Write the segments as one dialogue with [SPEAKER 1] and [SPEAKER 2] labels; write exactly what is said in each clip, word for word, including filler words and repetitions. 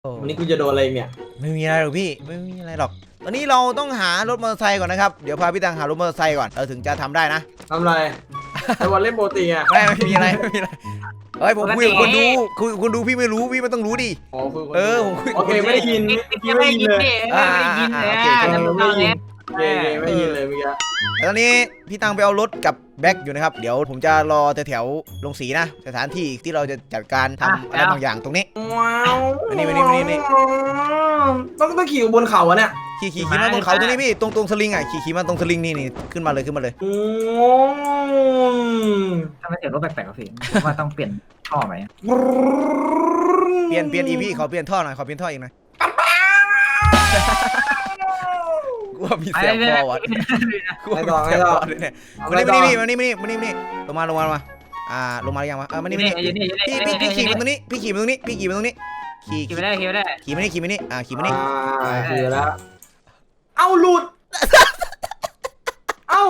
[SPEAKER 1] วันนี้กูจะโดนอะไรเนี่ย
[SPEAKER 2] ไม่มีอะไรหรอกพี่ไม่มีอะไรหรอกตอนนี้เราต้องหารถมอเตอร์ไซค์ก่อนนะครับเดี๋ยวพาพี่ตังหารถมอเตอร์ไซค์ก่อนเราถึงจะทำได้นะ
[SPEAKER 1] ทำอะไรไอ้วันเล่นโปรตีอ่ะ
[SPEAKER 2] ไม่ไม่มีอะไรไม่มีอะไรเฮ้ยผมคุยกับคนดูคุยกับคนดูพี่ไม่รู้พี่ไม่ต้องรู้ดิ
[SPEAKER 1] อ๋อคุย
[SPEAKER 2] เออผมคุย
[SPEAKER 1] โอเคไม่ได้ยิน
[SPEAKER 3] พี่ไม่ได้ยินเลยไม่ได้ยินเลยอ่ะ
[SPEAKER 1] ไม่ได้ยินโอเคไม่ได้ยินเลยเมื่อกี้
[SPEAKER 2] ตอนนี้พี่ตังไปเอารถกับแบ็คอยู่นะครับเดี๋ยวผมจะรอแถวๆลงสีนะสถานที่ที่เราจะจัดการทำอะไรบางอย่างตรงนี้
[SPEAKER 1] ว้าว
[SPEAKER 2] นี่นี่นี่นี่
[SPEAKER 1] ต้องต้องขี่บนเขาอะเนี่ย
[SPEAKER 2] ขี่ขี่ขี่มาบนเขาตรงนี้พี่ตรงตรงสลิงอ่ะขี่ขี่มาตรงสลิงนี่นี่ขึ้นมาเลยขึ้นมาเลย
[SPEAKER 1] โอ้
[SPEAKER 3] ทำไมเสียงรถแปลกๆกับพี่ว่าต้องเปลี่ยนท่อไหม
[SPEAKER 2] เปลี่ยนเปลี่ยนอีพี่ขอเปลี่ยนท่อหน่อยขอเปลี่ยนท่ออีกหน่อยกูว่ามีเสียงคอวะกูว่ามีเสียงคอเลยเนี่ยมานี่มานี่มานี่มานี่มานี่มานี่ลงมาลงมาลงมาอ่าลงมาหรือยังวะเออมานี่มานี่พี่พี่พี่ขี่มาตรงนี้พี่ขี่มาตรงนี้พี่ขี่มาตรงนี้ขี่
[SPEAKER 3] ขี่ไม่ได้ขี่ไม่ได้
[SPEAKER 2] ขี่มานี่ขี่มานี่อ่าขี่มานี่
[SPEAKER 1] ขี่แล้วเอาหลุดเอ้า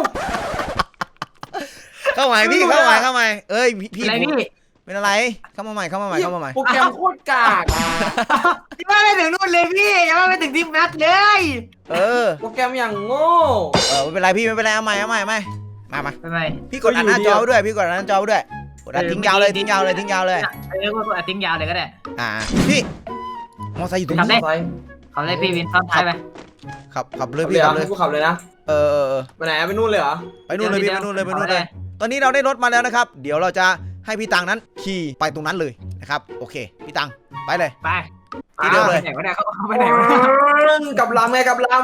[SPEAKER 2] เข้าใหม่พี่เข้าใหม่เข้าใหม่เอ้ยพี่เป็นอะไรเข้ามาใหม่เข้ามาใหม่เข้ามาใหม่
[SPEAKER 1] โปรแกรมโคตรกาก
[SPEAKER 3] ยังไม่ถึงนู่นเลยพี่ยังไม่ถึงที่แมทเลย
[SPEAKER 2] เออ
[SPEAKER 1] โปรแกรมอย่างโง่
[SPEAKER 2] เออไม่เป็นไรพี่ไม่เป็นไรเอาใหม่เอาใหม่เอาใหม่มามา
[SPEAKER 3] ไม่ไม่
[SPEAKER 2] พี่กดอัดหน้าจอด้วยพี่กดอัดหน้าจอด้วยกดอัดทิ้งยาวเลยทิ้งยาวเลยทิ้งยาวเลย
[SPEAKER 3] เรียกว่ากดอัดทิ้งยาวเลยก็ได้
[SPEAKER 2] อ่าพี่มอไซค์อยู่ตรงนี้
[SPEAKER 3] ขับเลยพี่วินซ้อนท้ายไป
[SPEAKER 2] ขับขับเลยพี่ขับเลย
[SPEAKER 1] กูขับเลยนะ
[SPEAKER 2] เออเออ
[SPEAKER 1] ไปไหนไปนู่นเลยเหรอ
[SPEAKER 2] ไปนู่นเลยพี่ไปนู่นเลยไปนู่นเลยตอนนี้เราได้รถมาแล้วนะครับเดี๋ยวเราจะให้พี่ตังนั้นขี่ไปตรงนั้นเลยนะครับโอเคพี่ตังไปเลย
[SPEAKER 3] ไป
[SPEAKER 2] ที่เดิมเลย
[SPEAKER 3] ไปไหนวะเนี่ยเขาไปไหนวะ
[SPEAKER 1] กับลำไงกับลำ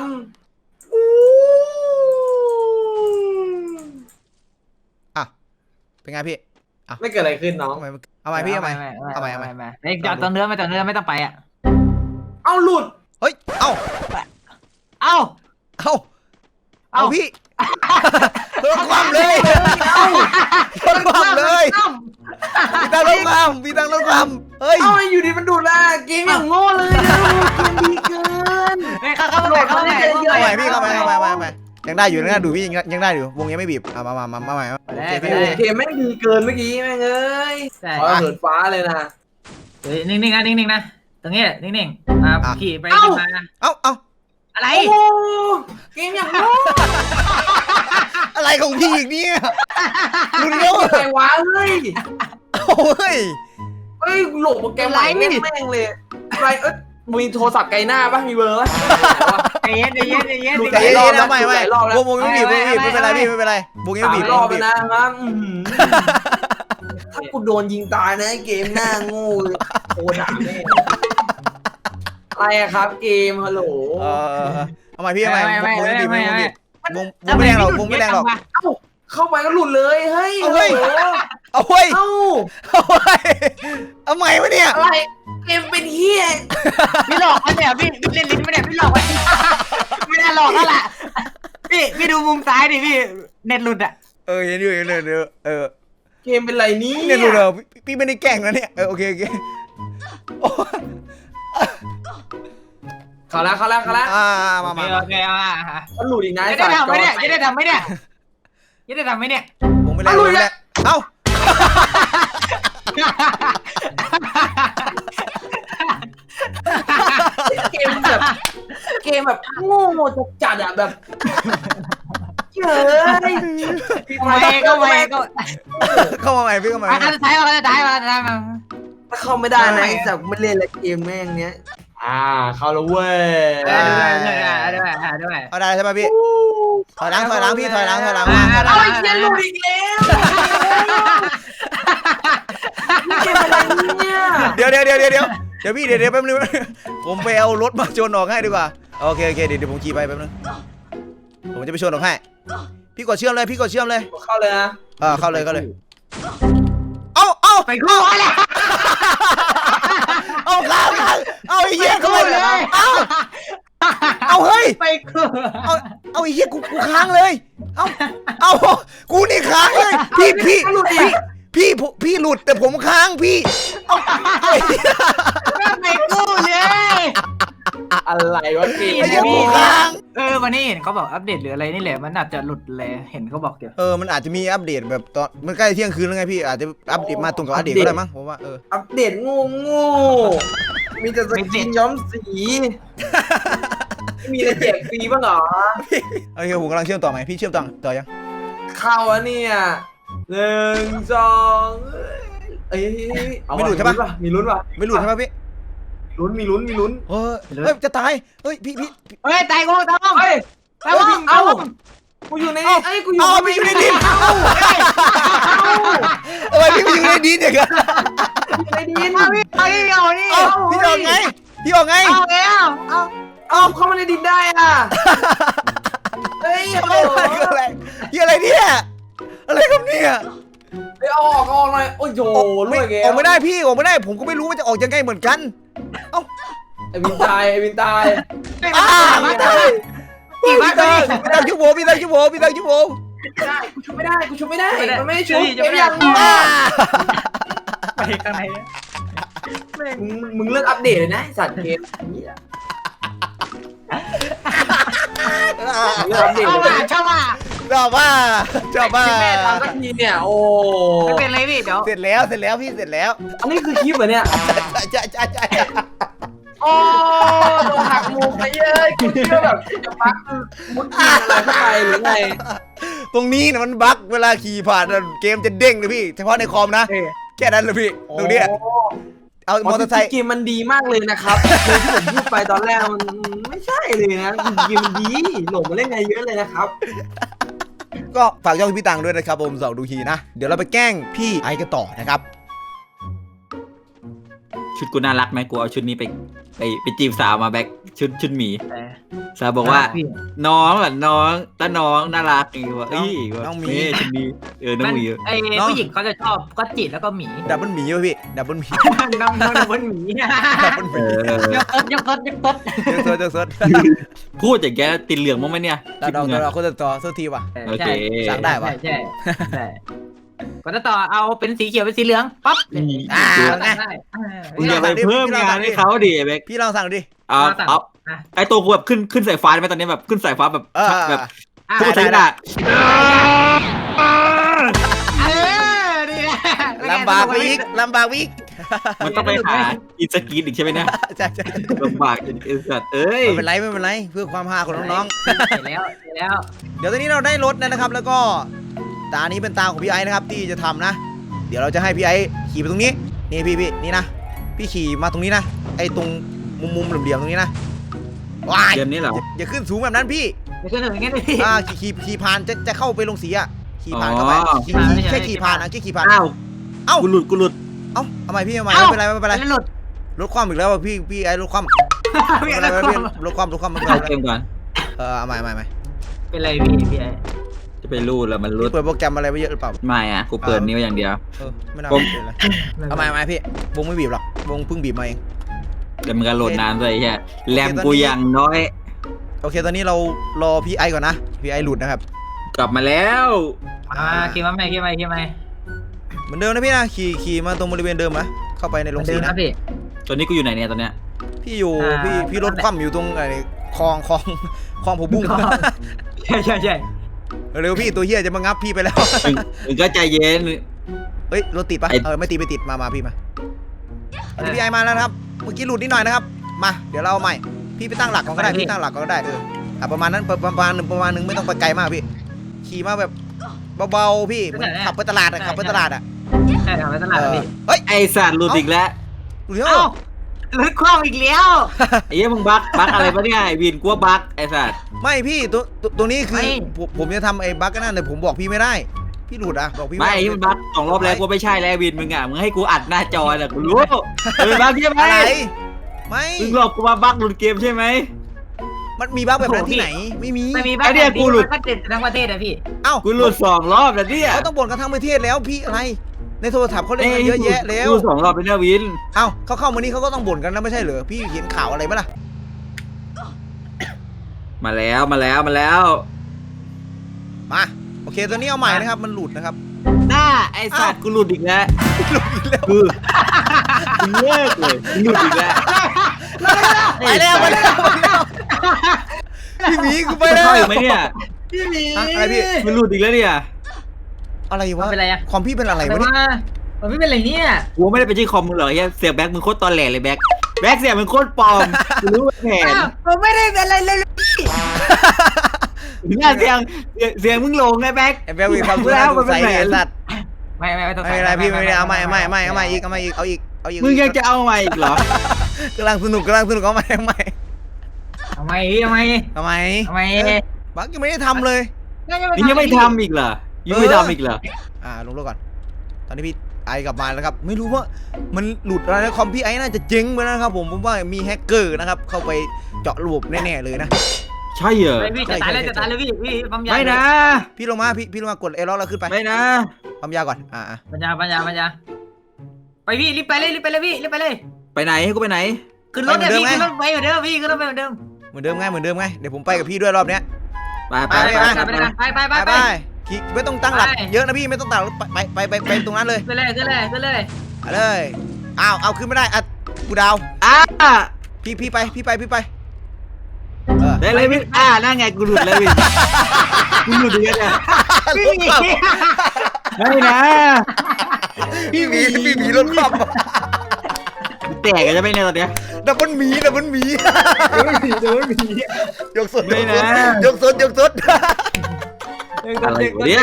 [SPEAKER 2] อ่ะเป็นไงพี่อ่ะ
[SPEAKER 1] ไม่เกิดอะไรขึ้นน้อง
[SPEAKER 2] เอาใหม่พี่เอาใหม่เอาใหม่เอาใหม่
[SPEAKER 3] ไอ้จอดตรงเนื้อไม่จอดเนื้อไม่ต้องไปอ่ะ
[SPEAKER 1] เอาหลุด
[SPEAKER 2] เฮ้ยเอ้า
[SPEAKER 3] เอ้า
[SPEAKER 2] เอ้าเอาพี่รถความเลยรถความเลยพี่ตังรถความพี่ตังรถความเฮ้ย
[SPEAKER 1] เอาอยู่ดีมันดูดละเกมอย่างโง่เลยเกมดีเกิน
[SPEAKER 3] เข้าเข้าไปเข้าไป
[SPEAKER 2] เข้าไปพี่เข้าไปเข้าไปเข้าไปยังได้อยู่นะดูพี่ยังยังได้อยู่วงยังไม่บีบเอามามามามาใหม่
[SPEAKER 1] เกมแม่งดีเกินเมื่อกี้แม่งเอ้ยขอเหินฟ้าเลยนะ
[SPEAKER 3] นิ่งๆนะนิ่งๆนะตรงนี้นิ่งๆอ่าขี่ไปขี่มา
[SPEAKER 2] เอ้าเอ้า
[SPEAKER 3] อะไร
[SPEAKER 1] เกมอย่างโง่
[SPEAKER 2] อะไรของพี่อีกเนี่ยคุณโง่
[SPEAKER 1] อะไรวะเฮ้ย
[SPEAKER 2] โอ้ย
[SPEAKER 1] เฮ้ยโหลดโปรแกรมไหนแม่งแม่งเลยอะไรเอ้ยมีโทรศัพท์ไกลหน้าป่ะมีเบอร์ป่ะ
[SPEAKER 3] ใจเย็นใจเย็นใจเย็น
[SPEAKER 2] ใจเย็นนะไม่ไม่วงวงไม่บีบไม่บีบไม่เป็นไรพี่ไม่เป็นไรวงยังบีบ
[SPEAKER 1] รอบไปนะครับถ้ากูโดนยิงตายนะเกมหน้าโง่โคตรด่าแม่อะไรครับเกมฮัลโหล
[SPEAKER 2] เออเอาใหม่พี่เอาใหม่วงไม่บีบวงไม่บีบวงวงไม่แรงหรอกวงไม่แรงหรอก
[SPEAKER 1] เข้าไปก็หลุดเลยเฮ้ย
[SPEAKER 2] เอาเฮ้ยเอาเฮ้ย
[SPEAKER 1] เอา
[SPEAKER 2] เอาเฮ้ยเอาใหม่วะเนี่ย
[SPEAKER 1] อะไรเกมเป็นเฮีย
[SPEAKER 3] พี่หลอกมันเนี่ยพี่เล่นลิ้นไม่ได้พี่หลอกไม่ได้หลอกแล้วล่ะพี่พี่ดูมุมซ้ายดิพี่เน็ตหลุดอ่ะ
[SPEAKER 2] เออเห็นอยู่เห็นอยู่เออ
[SPEAKER 1] เกมเป็นไรนี้
[SPEAKER 2] เน็ตหลุดเหรอพี่ไม่ได้แกล้งนะเนี่ยเออโอเคโอเค
[SPEAKER 1] เขาแล้วเขาแล้วเขาแล้ว
[SPEAKER 2] อ่ามามา
[SPEAKER 3] โอเคอ่ะ
[SPEAKER 1] มันหลุดอีกนะ
[SPEAKER 3] จะได้ทำไหมเนี่ยจะได้ทำไหมเนี่ยจะได้ทำไหมเนี่ย
[SPEAKER 2] ผมไม่ได้หลุดแล้วเอ้า
[SPEAKER 1] เกมแบบเกมแบบโง่จัดๆอ่ะแบบเฮ้ย
[SPEAKER 3] เข้ามาเข้ามา
[SPEAKER 2] เข้ามาใหม่พี่เข้ามา
[SPEAKER 3] อันท้ายมาอันท้ายมาอันท้ายมา
[SPEAKER 1] ถ้าเข้าไม่ได้นะแต่ไม่เล่นแล้วเกมแม่งเนี้ยอ่าเข้าแล้วเว้ย
[SPEAKER 3] ด้วยด้วยด้วยด้วย
[SPEAKER 2] เอาได้ใช่ไหมพี่ถอยหลังถอยหลังพี่ถอยหลังถอยหลัง
[SPEAKER 1] เอาไอ้เชี่ยหลุดอีกแล้วเกมอะไรเนี่ย
[SPEAKER 2] เดี๋ยวเดี๋ยวเดี๋ยวเดี๋ยวเดี๋ยวเดี๋ยวพี่เดี๋ยวเดี๋ยวแป๊บนึงผมไปเอารถมาชนออกให้ดีกว่าโอเคโอเคเดี๋ยวเดี๋ยวผมขี่ไปแป๊บนึงผมจะไปชนออกให้พี่กดเชื่อมเลยพี่กดเชื่อมเลย
[SPEAKER 1] เข้าเลยนะ
[SPEAKER 2] เออเข้าเลยเข้าเลยเอาเอา
[SPEAKER 3] ไปเข้าเลย
[SPEAKER 2] เอาข้างข้างเอาไอ้เหี้ยเข้าเลยเอาเอาเฮ้ย
[SPEAKER 3] ไปเข้า
[SPEAKER 2] เอาเอาไอ้เหี้ยกูกูค้างเลยเอาเอากูนี่ค้างเลยพี่พี่พี่พี่พี่หลุดแต่ผมค้างพี่
[SPEAKER 3] ไปกู้เลย
[SPEAKER 1] อะไรวะเกม
[SPEAKER 2] ไอ้เหี้ยกูค้าง
[SPEAKER 3] เออวันนี้เห็นเขาบอกอัปเดตหรืออะไรนี่แหละมันอาจจะหลุดเลยเห็นเขาบอกเดี๋ยว
[SPEAKER 2] เออมันอาจจะมีอัปเดตแบบตอนมันใกล้เที่ยงคืนแล้วไงพี่อาจจะอัปเดตมาตรงกับอัปเดตก็ได้มั้งผมว่าเออ
[SPEAKER 1] อัปเดตงูงูมีแต่สกินย้อมสีไม่มีอะไรแจกฟรีบ้างเหรอ
[SPEAKER 2] โอเคผมกำลังเชื่อมต่อไหมพี่เชื่อมต่อต่อยัง
[SPEAKER 1] เข้าอะเนี่ยหนึ่งสองเอ้ยเอาว่ะมีลุ้นป่ะ
[SPEAKER 2] ไม่หลุดใช่ปะพี่
[SPEAKER 1] ลุ้นมีลุ้นมีลุ้น
[SPEAKER 2] เฮ้ยเฮ้ยจะตายเฮ้ยพี่พี่
[SPEAKER 3] เฮ้ยตายกูตายกู
[SPEAKER 1] เฮ้ย
[SPEAKER 3] ตายกู
[SPEAKER 1] เอ้ากูอยู่ในไอ้กูอยู่
[SPEAKER 2] เอาพี่อยู่ในดินเอ้าทำไมพี่ไปอยู่ในดินอย่างเงี้ย
[SPEAKER 1] ในดิน
[SPEAKER 3] เอาพี่เอาพี่เอานี่
[SPEAKER 2] เอ้าพี่ออกไงพี่ออกไง
[SPEAKER 3] เอาแล้วเอา
[SPEAKER 1] เอ้าเข้ามาในดินได้อ่ะเฮ้ยโอ้
[SPEAKER 2] อะไรคืออะไรที่อะไรเนี่ยอะไรครับเนี่ย
[SPEAKER 1] เฮ้ยเอาออกออกหน่อยโอ้ยโยรวยแก
[SPEAKER 2] ออกไม่ได้พี่ออกไม่ได้ผมก็ไม่รู้ว่าจะออกยังไงเหมือนกันเอ้า
[SPEAKER 1] ไอ้วินตายไอ้วินตาย
[SPEAKER 2] อ่า
[SPEAKER 3] ไม่
[SPEAKER 2] พี่
[SPEAKER 3] ได้
[SPEAKER 2] ตัง
[SPEAKER 3] กี่
[SPEAKER 2] พี่
[SPEAKER 3] บ้าน
[SPEAKER 2] ตั
[SPEAKER 3] พี่
[SPEAKER 2] งพี่ตังชั่วโมงพี่ตังชั่วโมงพี่ตังชั่วโมง
[SPEAKER 1] ไม่ได้กูชุบไม่ได้กูชุบไม่ได้มันไม่ได้ชุบ
[SPEAKER 3] จะไม่
[SPEAKER 1] ไม่
[SPEAKER 3] ได้
[SPEAKER 1] อยาก
[SPEAKER 2] อ่า
[SPEAKER 3] ไปข้างในเนี่ย
[SPEAKER 1] มึงมึงเลิกอัปเดตเลยนะไอ้สัตว์เกมนี้อะเลิกอัปเดต
[SPEAKER 3] ชอบ
[SPEAKER 1] เลย
[SPEAKER 3] อ่ะ
[SPEAKER 1] นะ
[SPEAKER 3] ชอบอ่ะ
[SPEAKER 2] ชอบว่าชอบว่า
[SPEAKER 1] แม่ทำสักทีเนี่ยโอ้
[SPEAKER 3] ไม่เป็นไรพี่เดี๋ยว
[SPEAKER 2] เสร็จแล้วเสร็จแล้วพี่เสร็จแล้ว
[SPEAKER 1] อันนี้คือคลิปเหรอเนี่ย
[SPEAKER 2] ใช่ใช่ใช่ใช่
[SPEAKER 1] โอ้โดนหักมุมไปเย้ยกูคิดว่าแบบจะพักมุดกินอะไรเข้าไปหรือไง
[SPEAKER 2] ตรงนี้นะมันบั๊กเวลาขี่ผ่านเกมจะเด้งเลยพี่เฉพาะในคอมนะแค่นั้นเลยพี่ตรงเนี้ยเอามอเตอร์ไซค์
[SPEAKER 1] เกมมันดีมากเลยนะครับเลยที่ผมพูดไปตอนแรกมันไม่ใช่เลยนะเกมมันดีหลงมาเล่นไงเยอะเลยนะครับ
[SPEAKER 2] ก็ฝากช่องพี่ตังด้วยนะครับผมสองดูฮีนะเดี๋ยวเราไปแกล้งพี่ไอกันต่อนะครับ
[SPEAKER 4] ชุดกูน่ารักไหมกูเอาชุดนี้ไปไปไปจีบสาวมาแบ็คชุดชุดหมีสาวบอกว่า น้องอ่ะน้องตาน้องน่ารักอีกว่าเอ้ยว่าเอ้ยชุดนี้เออน้องหมี
[SPEAKER 3] ไอ้ผู้หญิงเขาจะชอบก็จิตแล้วก็หมี
[SPEAKER 2] ดับเบิลหมีวะพี่ดับเบิลหมี
[SPEAKER 3] น้องน้องดับเบิลหมี
[SPEAKER 2] ดับเบิลห
[SPEAKER 4] เอ
[SPEAKER 2] มี
[SPEAKER 4] อย
[SPEAKER 3] กต้นยกต้นยกต้น
[SPEAKER 2] เจอเจอเจอ
[SPEAKER 4] พูดอย่างแกติดเหลืองมั้งไหมเนี่ย
[SPEAKER 2] เราเราเราคนจะต่อสู้ทีว่ะ
[SPEAKER 4] โอเค
[SPEAKER 2] สั่งได้ปะ
[SPEAKER 3] ใช่ใช่ก็จะต่อเอาเป็นสีเขียวเป็นสีเหลืองปั๊บ
[SPEAKER 2] อ่า
[SPEAKER 4] มึงอย่าไปเพิ่มงานให้เขาดิแบ็ค
[SPEAKER 2] พี่ลองสั่งดิ
[SPEAKER 4] เอาเอาไอตัวกูแบบขึ้นขึ้นสายฟ้าไหมตอนนี้แบบขึ้นสายฟ้าแบบ
[SPEAKER 2] เออ
[SPEAKER 4] แบบ
[SPEAKER 3] อ่า
[SPEAKER 4] พูดถึงอ่ะ
[SPEAKER 3] เออดีนะ
[SPEAKER 2] ลำบากวิกลำบากวิก
[SPEAKER 4] มันต้องไปหาอินสกีนอีกใช่ไหมเนี่ย
[SPEAKER 2] ใช่ใช่
[SPEAKER 4] ลำบากจนไอ้สัตว์เอ้ย
[SPEAKER 2] ไม่เป็นไรไม่เป็นไรเพื่อความฮาของน้อง
[SPEAKER 3] เสร็จแล้วเสร็จแล้ว
[SPEAKER 2] ๆเดี๋ยวตอนนี้เราได้รถแล้วนะครับ แล้วก็ตานี้เป็นตาของพี่ไอ้นะครับที่จะทำนะ เดี๋ยวเราจะให้พี่ไอ้ขี่ไปตรงนี้นี่พี่พี่นี่นะพี่ขี่มาตรงนี้นะไอ้ตรงมุมมุมเหลี่ยมๆตรงนี้นะว้าย
[SPEAKER 4] เดือนนี้เหรอ
[SPEAKER 2] อย่าขึ้นสูงแบบนั้นพี่
[SPEAKER 3] เดี๋ยวขึ้นถึงอย่างงี้พี่
[SPEAKER 2] อ่าขี่ขี่ขี่ผ่านจะจะเข้าไปลงสีอ่ะขี่ผ่านเข้าไป
[SPEAKER 4] อ๋อ
[SPEAKER 2] ขี่ขี่แค่ขี่ผ่านนะแค่ขี่ผ่าน
[SPEAKER 4] อ้าว
[SPEAKER 2] เอ้า
[SPEAKER 4] กูหลุดกูหลุด
[SPEAKER 2] เอ้าทำไมพี่ทำไมไม่เป็นไรไม่เป็นไร
[SPEAKER 3] หลุด
[SPEAKER 2] รถคว่ำอีกแล้วอ่ะพี่พี่ไอ้รถคว่ำไม่เป็นไรไม่เป็นไรพี่รถคว่ำรถคว่ำไม่เป็น
[SPEAKER 4] เข้า
[SPEAKER 2] ไร
[SPEAKER 4] เกมก่อน
[SPEAKER 2] เออเอาใหม่ใหม่ใหม่
[SPEAKER 3] เป็นไรพี่พี่ไอ้
[SPEAKER 4] จะไปรูดแล้วมันรูด
[SPEAKER 2] พี่เปิดโปรแกรมอะไรไปเยอะหรือเปล่า
[SPEAKER 4] ไม่อ่ะกูเปิดนิ้วอย่างเดียว
[SPEAKER 2] เออไม่น่า
[SPEAKER 4] ผม
[SPEAKER 2] เป็นไรเอาใหม่ใหม่พี่วงไม่บีบหรอกวงเพิ่งบีบมาเอง
[SPEAKER 4] แต่มันก็โหลดนานด้วยไอ้เหี้ยแรมกูอย่างน้อย
[SPEAKER 2] โอเคตอนนี้เรารอพี่ไอก่อนนะพี่ไอหลุดนะครับ
[SPEAKER 4] กลับมาแล้ว
[SPEAKER 3] อ่าขี่มาไหมขี่มาขี่มา
[SPEAKER 2] เหมือนเดิมนะพี่นะขี่ขี่มาตรงบริเวณเดิมนะเข้าไปในโรงสี
[SPEAKER 3] เดิน
[SPEAKER 2] นะ
[SPEAKER 3] นะพี่
[SPEAKER 4] ตอนนี้กูอยู่ไหนเนี่ยตอนเนี้ย
[SPEAKER 2] พี่อยู่
[SPEAKER 3] อ่า
[SPEAKER 2] พี่พี่รถคว่ำอยู่ตรงไอ้คลองคลองคลองผมบุ้ง
[SPEAKER 3] ใช่ใช่ใช่
[SPEAKER 2] เร็วพี่ตัวเฮียจะมางับพี่ไปแล้ว
[SPEAKER 4] มึงมึงก็ใจเย็น
[SPEAKER 2] เฮ้ยรถติดปะ
[SPEAKER 4] ไอ้
[SPEAKER 2] เออไม่ติดไม่ติดมามาพี่มาอันนี้พี่ไอมาแล้วนะครับเมื่อกี้หลุดนิดหน่อยนะครับมาเดี๋ยวเราเอาใหม่พี่ไปตั้งหลักก่อนก็ได้พี่ตั้งหลักก่อนก็ได้เอออ่ะประมาณนั้นประประมาณหนึ่งประมาณหนึ่งไม่ต้องไปไกลมากพี่ขี่มาแบบเบาๆพี่เหมือนขับไปตลาดอะขับไปตลาดอะ
[SPEAKER 3] ใช่ทำไปตลาดพี่
[SPEAKER 2] เฮ้ย
[SPEAKER 4] ไอสัตว์หลุดอีกแล้ว
[SPEAKER 2] หลุดแล้ว
[SPEAKER 3] เอ้ารถคว่ำอีกแล้ว
[SPEAKER 4] ไอ้เหี้ยมึงบั๊กบั๊กอะไรปะเนี่ยไอ้วินกูว่าบั๊กไอ้สัตว์
[SPEAKER 2] ไม่พี่ตัวตัวตัวนี้คือ
[SPEAKER 3] ไม่
[SPEAKER 2] ผมผมจะทำไอ้บั๊กนั่นแต่ผมบอกพี่ไม่ได้ พี่หลุดอะบอกพี่
[SPEAKER 4] ไม่ไอ้ที่มันบั๊กสองรอบแล้วกูไม่ใช่แล้วไอ้วินมึงอ่ะมึงให้กูอัดหน้าจอแหละกูรู้เออบั๊กใช่ไหม
[SPEAKER 2] อะไรไม่
[SPEAKER 4] มึงหลอกกูมาบั๊กหลุดเกมใช่ไหม
[SPEAKER 2] มันมีบั๊กแบบนั้นที่ไหนไม่มี
[SPEAKER 3] ไม่มีบ้าน
[SPEAKER 4] ไอ้เนี่ยกูหลุด
[SPEAKER 3] ก็ติดทั้งประเทศอะพี่
[SPEAKER 2] เอ้า
[SPEAKER 4] กูหลุดสองรอบแล้วเนี่ย
[SPEAKER 2] เขาต้องบ่นกันทั้งประเทศแล้วพี่อะไรในโทรศัพท์เขาเล่นกันเยอะแยะแล้ว
[SPEAKER 4] กูสองรอบไปเนี่ยวิน
[SPEAKER 2] เอ้าเขาเข้ามานี่เขาก็ต้องบ่นกันนะไม่ใช่เหรอพี่เห็นข่าวอะไรไหมล่ะ
[SPEAKER 4] มาแล้วมาแล้วมาแล้ว
[SPEAKER 2] มาโอเคตัวนี้เอาใหม่นะครับมันหลุดนะครับ
[SPEAKER 4] หน้าไอ้สัตว์กูหลุดอีกแล้ว
[SPEAKER 2] หลุดอีกแล้ว
[SPEAKER 4] คือกูเลิกเลยกูหลุดอีกแล้ว
[SPEAKER 2] ไปแล้วไปแล้วไปแล้วพี่หมีกูไปแล้ว
[SPEAKER 4] เข้าอีกไหมเนี่ย
[SPEAKER 3] พี่หมี
[SPEAKER 2] ฮะอะไรพี่
[SPEAKER 4] กูหลุดอีกแล้วเนี่ย
[SPEAKER 2] อะไรวะ
[SPEAKER 3] เป็นไรอะ
[SPEAKER 2] คอมพี่เป็นอะไร
[SPEAKER 3] แต่
[SPEAKER 2] วะเนี่ย
[SPEAKER 3] ว่ามันไม่เป็นไรเนี่ย
[SPEAKER 4] กูไม่ได้ไปที่คอมมึงเหรอเฮียเสียบแบ็คมึงโคตรตอนแหลเลยแบ็คแบ็คเสียงเป็นโคตรปลอมรู้แผน
[SPEAKER 3] ผมไม่ได้เป็นอะไรเลย
[SPEAKER 4] เนี่ยเสียงเสียงเสียงมึงลงไงแบ็ค
[SPEAKER 2] ไอ้แบลมีความรู้แล้วสงสัยไอ้สัตว์
[SPEAKER 3] ไม่ไม่ไม่ต้อง
[SPEAKER 2] ไม่เป็นไรพี่ไม่เป็นไรเอาใหม่เอาใหม่เอาใหม่เอาใหม่อีกเอาใหม่อีกเอาอีกเอาอีก
[SPEAKER 4] มึงยังจะเอาใหม่อีกเหรอก
[SPEAKER 2] ำลังสนุกกำลังสนุกเอาใหม่เอาใหม่
[SPEAKER 3] ทำไมทำไม
[SPEAKER 2] ทำไม
[SPEAKER 3] ทำไม
[SPEAKER 2] บักยังไม่ได้ทำเลย
[SPEAKER 4] นี่ยังไม่ทำอีกเหรอยังไม่ทำอีกเหรอ
[SPEAKER 2] อ่าลงรถก่อน ตอนนี้พี่ไอกลับมาแล้วครับไม่รู้ว่ามันหลุดอะไรนะคอมพี่ไอน่าจะเจ๊งไปนะครับผมผมว่ามีแฮกเกอร์นะครับเข้าไปเจาะระบบแน่ๆเลยนะ
[SPEAKER 4] ใช่เหรอ
[SPEAKER 3] พี่จะตายเลยจะตายเลยพี่พี่ปั๊มยา
[SPEAKER 4] ไม่นะ
[SPEAKER 2] พี่ลงมาพี่พี่ลงมากดเอล็อกแล้วขึ้นไป
[SPEAKER 4] ไม่นะ
[SPEAKER 2] ปั๊มยาก่อนอ่า
[SPEAKER 3] ปัญญาปัญญาปัญญาไปพี่รีบไปเลยรีบไปเลยพี่รีบไปเลย
[SPEAKER 4] ไปไหนให้กูไปไหน
[SPEAKER 3] ขึ้นรถเนี่ยพี่ขึ้นรถไปเหมือนเดิมพี่ขึ้นรถไปเหมือนเดิม
[SPEAKER 2] เหมือนเดิมไงเหมือนเดิมไงเดี๋ยวผมไปกับพี่ด้วยรอบเนี้ย
[SPEAKER 4] ไปไปไป
[SPEAKER 3] ไปไปไปไป
[SPEAKER 2] ไป
[SPEAKER 3] ไป
[SPEAKER 2] ไปขี่ไม่ต้องตั้งหลักเยอะนะพี่ไม่ต้องตั้งหลักไปไปไปไปตรงนั้นเลย
[SPEAKER 3] ขึ้นเลยขึ้นเลยขึ้นเลย
[SPEAKER 2] ไปเลยอ้าวเอาขึ้นไม่ได้อ่ะกูดาว
[SPEAKER 4] อ่า
[SPEAKER 2] พี่พี่ไปพี่ไปพี่ไปเออ
[SPEAKER 4] ได้เลยพี่อ่านั่นไงกูหลุดเลยพี่กูหลุดเลยเนี่ย
[SPEAKER 3] พี่
[SPEAKER 4] ไม่นะ
[SPEAKER 2] พี่หมีพี่หมีรถคว่
[SPEAKER 4] แตกกันจะไม่เนี่ยตอนเนี้ย
[SPEAKER 2] ำดับเบิลหมีดับเบิลหมี
[SPEAKER 4] จะไม่มีจะไม่มี
[SPEAKER 2] ยกสด
[SPEAKER 4] ไม่นะ
[SPEAKER 2] ยกสดยกสด
[SPEAKER 4] อะไรวะเนี่ย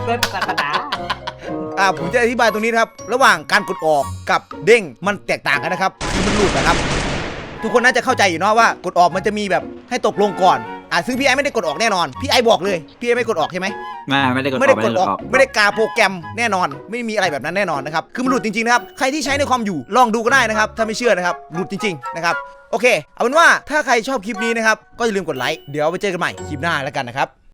[SPEAKER 2] อ่าผมจะอธิบายตรงนี้นะครับระหว่างการกดออกกับเด้งมันแตกต่างกันนะครับคือมันหลุดนะครับ ทุกคนน่าจะเข้าใจอยู่เนาะว่ากดออกมันจะมีแบบให้ตกลงก่อนอ่าซึ่งพี่ไอไม่ได้กดออกแน่นอนพี่ไอบอกเลยพี่ไอไม่กดออกใช่ไหม
[SPEAKER 4] มาไม่ได้กดออก
[SPEAKER 2] ไม่ได้กดออก
[SPEAKER 4] ไม่
[SPEAKER 2] ไม่ได้กาโปรแกรมแน่นอน ไม่มีอะไรแบบนั้นแน่นอนนะครับคือมันหลุดจริงๆนะครับใครที่ใช้ในคอมอยู่ลองดูก็ได้นะครับถ้าไม่เชื่อนะครับหลุดจริงๆนะครับโอเคเอาเป็นว่าถ้าใครชอบคลิปนี้นะครับก็อย่าลืมกดไลค์เดี๋ยวไปเจอกันใหม่คลิปหน้าแล้วกันนะครับ